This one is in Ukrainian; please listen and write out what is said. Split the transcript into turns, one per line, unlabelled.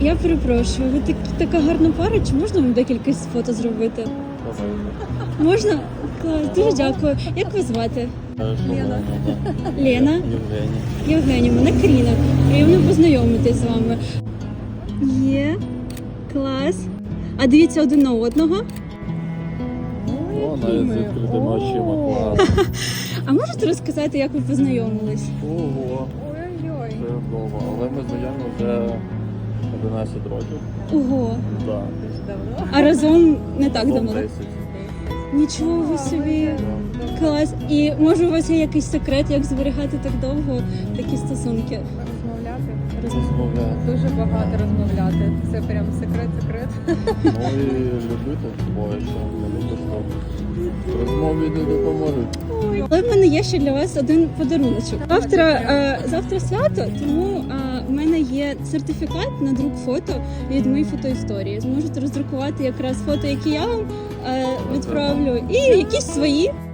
Я перепрошую, ви така гарна пара, чи можна вам декілька фото зробити? Можна? Клас, дуже дякую. Як вас звати?
Лена.
Лена?
Євгеній.
Євгенія, мене Каріна. Приємно познайомитись з вами. Є. Клас. А дивіться один на одного.
О, навіть з відкритими очима, клас.
А можете розказати, як ви познайомились?
Ого,
Ой-ой-ой.
це довго. Але ми знайомі вже 11 років.
Ого.
Так.
Дуже давно.
А разом не так
Або
давно?
10.
Нічого ви собі. Клас. І може у вас є якийсь секрет, як зберігати так довго такі стосунки?
Розмовляти.
Розмовляти.
Дуже багато розмовляти. Це прям секрет.
Ну і любити двоє, що не любиш, то розмові не допоможуть.
Але в мене є ще для вас один подаруночок. Завтра свято, тому в мене є сертифікат на друк фото від моєї фотоісторії. Зможете роздрукувати якраз фото, які я вам відправлю, і якісь свої.